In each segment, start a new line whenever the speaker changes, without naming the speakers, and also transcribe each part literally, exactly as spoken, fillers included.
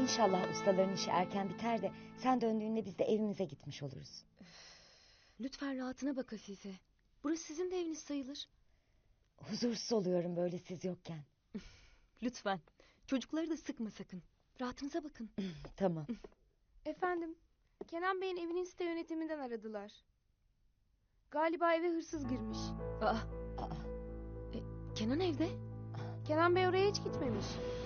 İnşallah ustaların işi erken biter de sen döndüğünde biz de evimize gitmiş oluruz.
Lütfen rahatına bak Afife. Burası sizin de eviniz sayılır.
Huzursuz oluyorum böyle siz yokken.
Lütfen. Çocukları da sıkma sakın. Rahatınıza bakın.
Tamam.
Efendim, Kenan Bey'in evinin site yönetiminden aradılar. Galiba eve hırsız girmiş.
Aa,
Aa,
Kenan evde.
Kenan Bey oraya hiç gitmemiş.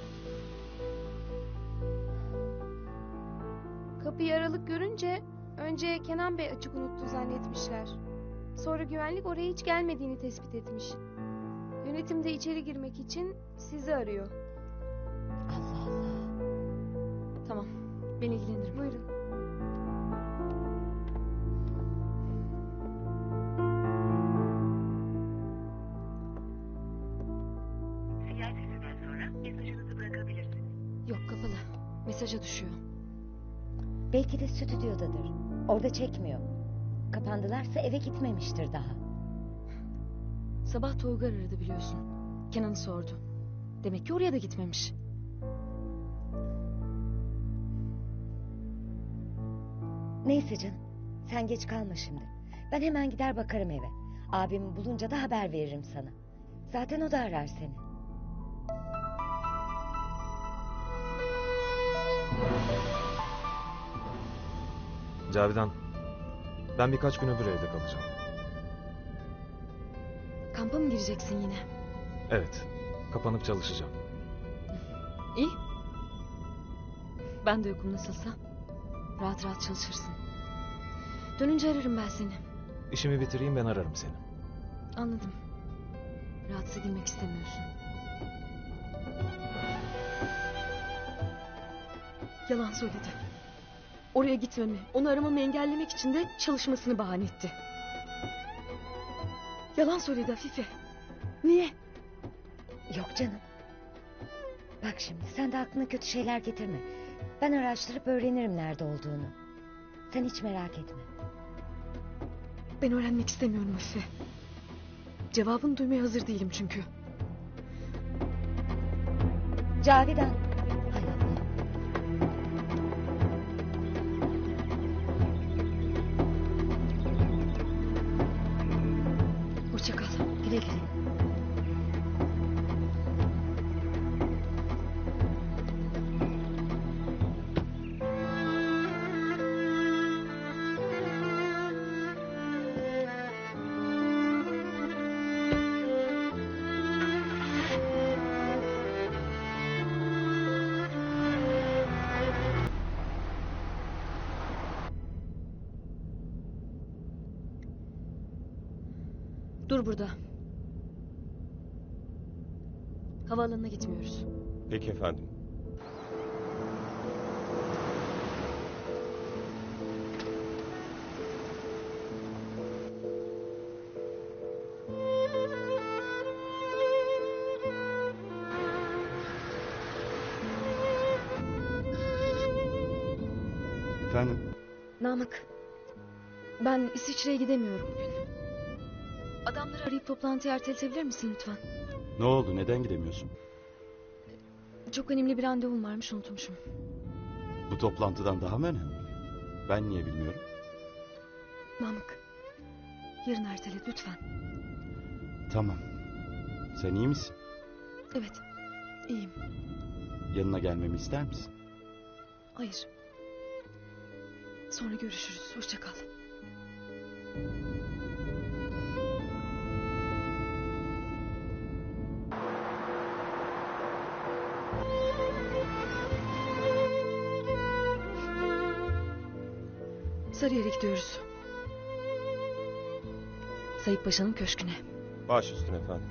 Kapıyı aralık görünce önce Kenan Bey açık unuttu zannetmişler. Sonra güvenlik oraya hiç gelmediğini tespit etmiş. Yönetim de içeri girmek için sizi arıyor.
Allah Allah.
Tamam. Ben ilgilenirim.
Buyurun.
Sinyal sesinden sonra mesajınızı bırakabilirsiniz.
Yok, kapalı. Mesaja düşüyor.
Belki de stüdyodadır. Orada çekmiyor. Kapandılarsa eve gitmemiştir daha.
Sabah Toygar aradı biliyorsun. Kenan'ı sordu. Demek ki oraya da gitmemiş.
Neyse canım. Sen geç kalma şimdi. Ben hemen gider bakarım eve. Abimi bulunca da haber veririm sana. Zaten o da arar seni.
Cavidan, ben birkaç gün öbür evde kalacağım.
Kampa mı gireceksin yine?
Evet, kapanıp çalışacağım.
İyi. Ben de yokum nasılsa. Rahat rahat çalışırsın. Dönünce ararım ben seni.
İşimi bitireyim, ben ararım seni.
Anladım. Rahatsız edilmek istemiyorsun. Yalan söyledi. Oraya gitmemi, onu aramamı engellemek için de çalışmasını bahane etti. Yalan söyledi Afife. Niye?
Yok canım. Bak şimdi sen de aklına kötü şeyler getirme. Ben araştırıp öğrenirim nerede olduğunu. Sen hiç merak etme.
Ben öğrenmek istemiyorum Afife. Cevabını duymaya hazır değilim çünkü.
Cavidan. Hay Allah.
Hoşça kal.
Güle güle.
Dur burada. Havaalanına gitmiyoruz.
Peki efendim. Efendim?
Namık. Ben İsviçre'ye gidemiyorum bugün. Adamları arayıp toplantıyı erteletebilir misin lütfen?
Ne oldu? Neden gidemiyorsun?
Çok önemli bir randevum varmış, unutmuşum.
Bu toplantıdan daha mı önemli? Ben niye bilmiyorum?
Namık. Yarın ertele lütfen.
Tamam. Sen iyi misin?
Evet. İyiyim.
Yanına gelmemi ister misin?
Hayır. Sonra görüşürüz. Hoşça kal. Sarıyer'e gidiyoruz. Sayıp Paşa'nın köşküne.
Baş üstüne efendim.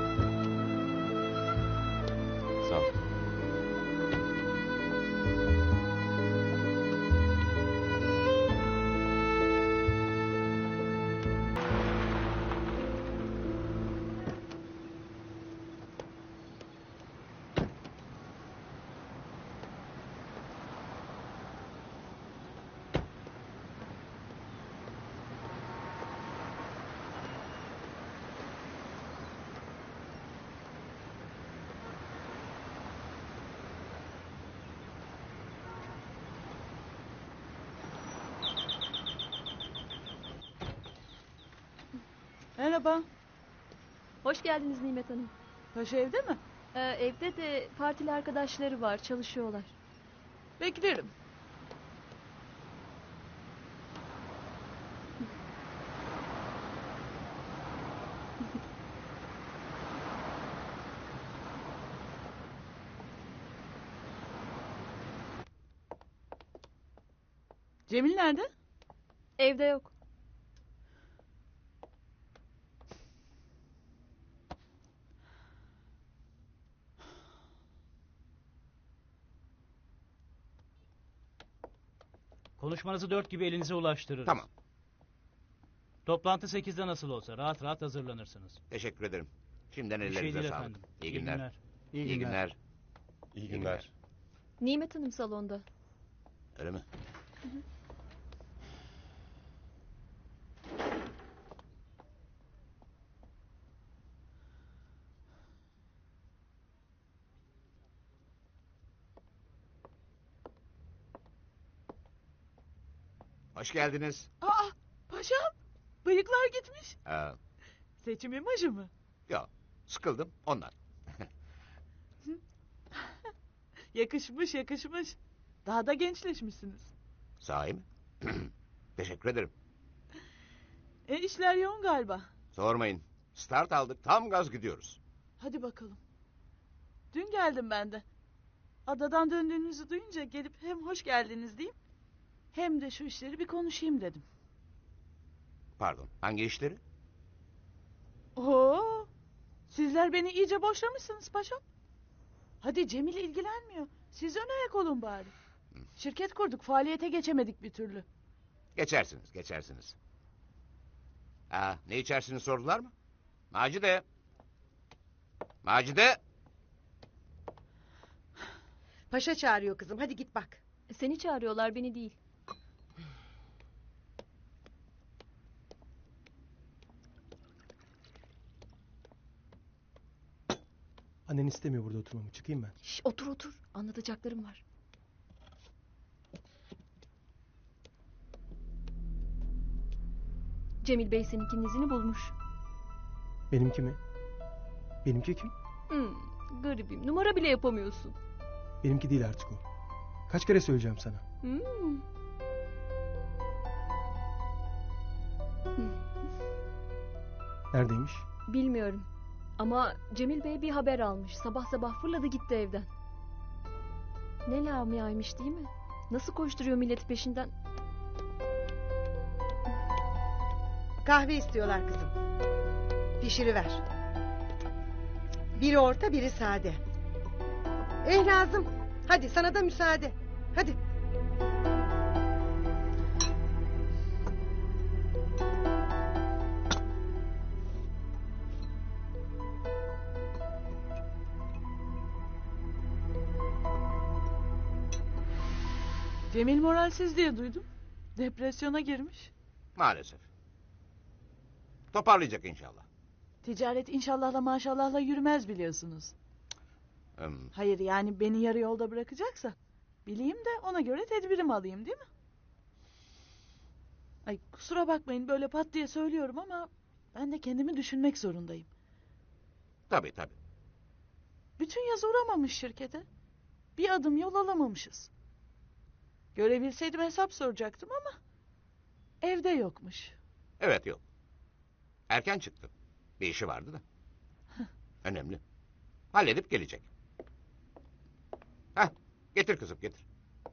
Sağ ol.
Merhaba.
Hoş geldiniz Nimet Hanım.
Paşa evde mi?
Ee, evde de partili arkadaşları var, çalışıyorlar.
Beklerim. Cemil nerede?
Evde yok.
Konuşmanızı dört gibi elinize ulaştırırız.
Tamam.
Toplantı sekizde nasıl olsa rahat rahat hazırlanırsınız.
Teşekkür ederim. Şimdiden
Bir şey
ellerinize
değil
sağlık.
efendim.
İyi günler.
İyi
İyi günler.
İyi
günler.
Nimet Hanım salonda.
Öyle mi? Hoş geldiniz.
Aa, paşam. Bıyıklar gitmiş.
Ee,
Seçim imajı mı?
yok, sıkıldım ondan.
Yakışmış yakışmış. Daha da gençleşmişsiniz.
Sahi mi? Teşekkür ederim.
E işler yoğun galiba.
Sormayın. Start aldık, tam gaz gidiyoruz.
Hadi bakalım. Dün geldim ben de. Adadan döndüğünüzü duyunca gelip hem hoş geldiniz diyeyim, hem de şu işleri bir konuşayım dedim.
Pardon, hangi işleri?
Oo, sizler beni iyice boşlamışsınız paşam. Hadi Cemil ilgilenmiyor. Siz ön ayak olun bari. Şirket kurduk, faaliyete geçemedik bir türlü.
Geçersiniz, geçersiniz. Aa, ne içersiniz sordular mı? Macide. Macide.
Paşa çağırıyor kızım. Hadi git bak.
Seni çağırıyorlar, beni değil.
Annen istemiyor burada oturmamı. Çıkayım ben.
Şş, otur otur, anlatacaklarım var. Cemil Bey seninkinin izini bulmuş.
Benimki mi? Benimki kim?
Hmm, garibim, numara bile yapamıyorsun.
Benimki değil artık o. Kaç kere söyleyeceğim sana?
Hmm.
Neredeymiş?
Bilmiyorum. Ama Cemil Bey bir haber almış. Sabah sabah fırladı gitti evden. Ne lamiaymış değil mi? Nasıl koşturuyor milleti peşinden?
Kahve istiyorlar kızım. Pişiriver. Biri orta, biri sade. Eh Nazım. Hadi sana da müsaade. Hadi.
Cemil moralsiz diye duydum. Depresyona girmiş.
Maalesef. Toparlayacak inşallah.
Ticaret inşallahla maşallahla yürümez biliyorsunuz.
Hmm,
Hayır yani beni yarı yolda bırakacaksa bileyim de ona göre tedbirimi alayım değil mi? Ay kusura bakmayın böyle pat diye söylüyorum ama ben de kendimi düşünmek zorundayım.
tabii tabii.
Bütün yaz uğramamış şirkete. Bir adım yol alamamışız. Görebilseydim hesap soracaktım ama evde yokmuş.
Evet yok. Erken çıktı. Bir işi vardı da. Önemli. Halledip gelecek. Hah, getir kızım getir.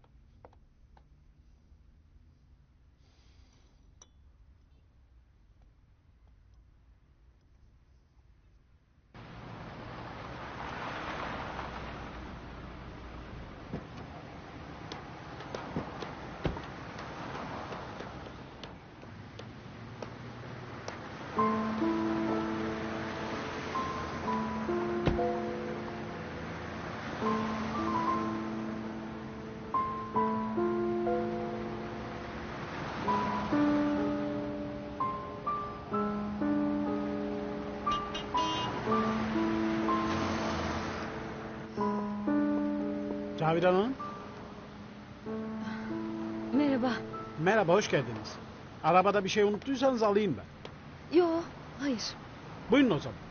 Cavidan Hanım.
Merhaba.
Merhaba, hoş geldiniz. Arabada bir şey unuttuysanız alayım ben.
Yo, Hayır.
Buyurun o zaman.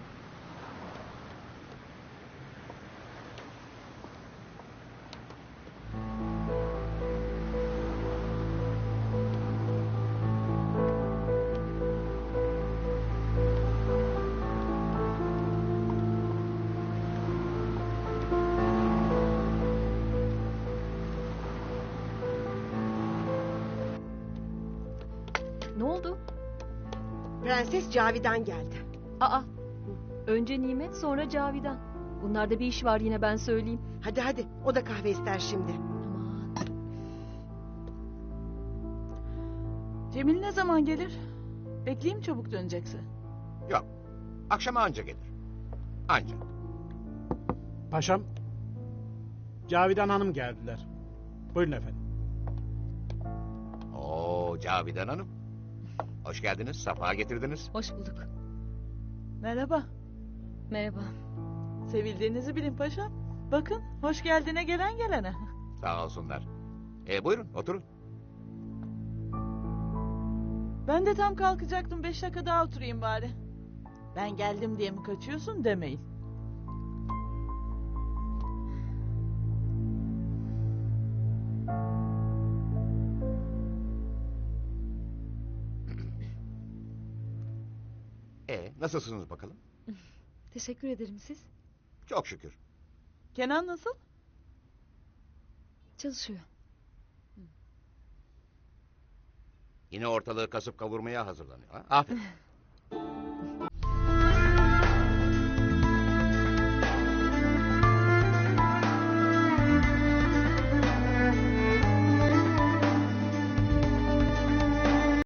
Ne oldu?
Prenses Cavidan geldi.
Aa. Önce Nimet sonra Cavidan. Bunlarda bir iş var yine ben söyleyeyim.
Hadi hadi o da kahve ister şimdi.
Aman.
Cemil ne zaman gelir? Bekleyeyim çabuk dönecekse.
Yok. Akşama anca gelir. Anca.
Paşam. Cavidan Hanım geldiler. Buyurun efendim.
Oo Cavidan Hanım. Hoş geldiniz. Safa getirdiniz.
Hoş bulduk.
Merhaba.
Merhaba.
Sevildiğinizi bilin paşam. Bakın hoş geldine gelen gelene.
Sağ olsunlar. E, buyurun oturun.
Ben de tam kalkacaktım, beş dakika daha oturayım bari. Ben geldim diye mi kaçıyorsun demeyin.
E, nasılsınız bakalım?
Teşekkür ederim siz.
Çok şükür.
Kenan nasıl?
Çalışıyor.
Yine ortalığı kasıp kavurmaya hazırlanıyor. Ha? Aferin.